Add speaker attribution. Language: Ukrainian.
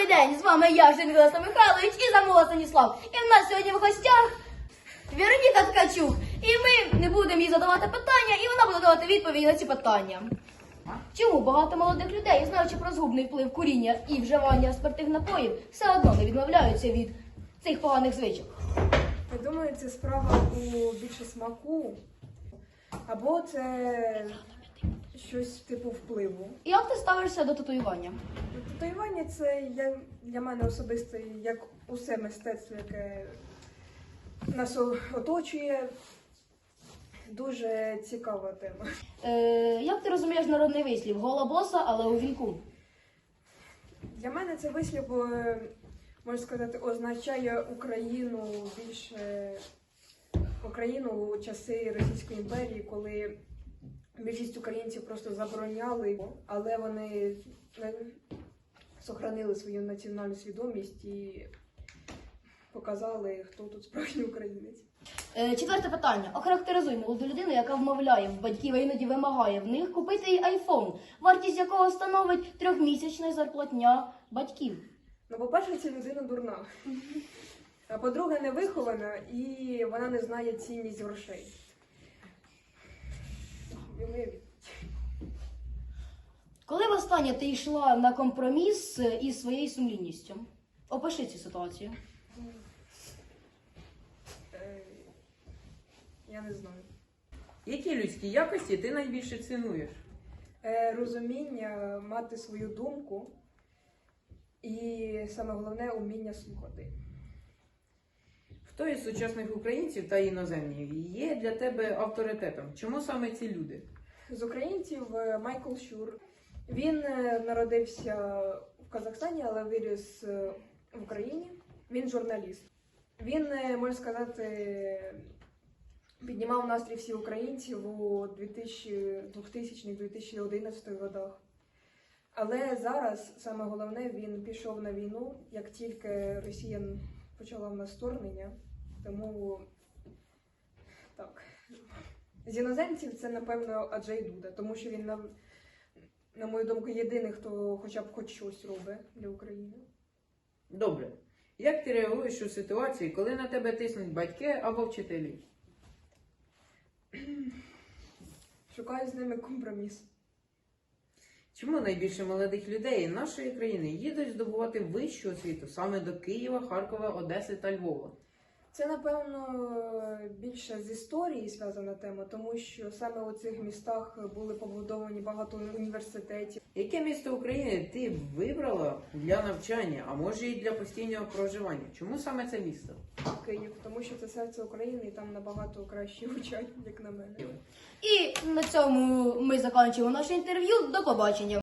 Speaker 1: Добрий день, з вами я, Женгелеса Михайлович і Замола Станіслав. І в нас сьогодні в гостях Вероніка Ткачук. І ми не будемо їй задавати питання, і вона буде давати відповіді на ці питання. Чому багато молодих людей, знаючи про згубний вплив куріння і вживання спиртних напоїв, все одно не відмовляються від цих поганих звичок?
Speaker 2: Я думаю, це справа у більше смаку, або це щось типу впливу.
Speaker 1: І як ти ставишся до татуювання?
Speaker 2: Татуювання це для мене особисто, як усе мистецтво, яке нас оточує, дуже цікава тема.
Speaker 1: Як ти розумієш народний вислів? Гола боса, але у вінку.
Speaker 2: Для мене це вислів, можна сказати, означає Україну більше, Україну у часи Російської імперії, коли більшість українців просто забороняли, але вони зберігали свою національну свідомість і показали, хто тут справжній українець.
Speaker 1: Четверте питання. Охарактеризуй молоду людину, яка вмовляє в батьків, а іноді вимагає в них купити їй айфон, вартість якого становить 3-місячна зарплатня батьків.
Speaker 2: Ну, по-перше, ця людина дурна. А по-друге, не вихована і вона не знає цінність грошей.
Speaker 1: Коли востаннє ти йшла на компроміс із своєю сумлінністю? Опиши цю ситуацію.
Speaker 2: Я не знаю.
Speaker 3: Які людські якості ти найбільше цінуєш?
Speaker 2: Розуміння, мати свою думку і, саме головне, уміння слухати.
Speaker 3: Хто із сучасних українців та іноземних є для тебе авторитетом? Чому саме ці люди?
Speaker 2: З українців Майкл Щур. Він народився в Казахстані, але виріс в Україні. Він журналіст. Він, можна сказати, піднімав настрій всіх українців у 2000-2011 годах. Але зараз, саме головне, він пішов на війну, як тільки Росія почала в нас вторгнення. Тому, так, з іноземців це, напевно, Аджей Дуда, тому що він, на мою думку, єдиний, хто хоча б хоч щось робить для України.
Speaker 3: Добре. Як ти реагуєш у ситуації, коли на тебе тиснуть батьки або вчителі?
Speaker 2: Шукаю з ними компроміс.
Speaker 3: Чому найбільше молодих людей нашої країни їдуть здобувати вищу освіту саме до Києва, Харкова, Одеси та Львова?
Speaker 2: Це, напевно, більше з історії зв'язана тема, тому що саме у цих містах були побудовані багато університетів.
Speaker 3: Яке місто України ти б вибрала для навчання, а може і для постійного проживання? Чому саме це місто?
Speaker 2: Київ, тому що це серце України і там набагато краще вчать, як на мене.
Speaker 1: І на цьому ми закінчуємо наше інтерв'ю. До побачення.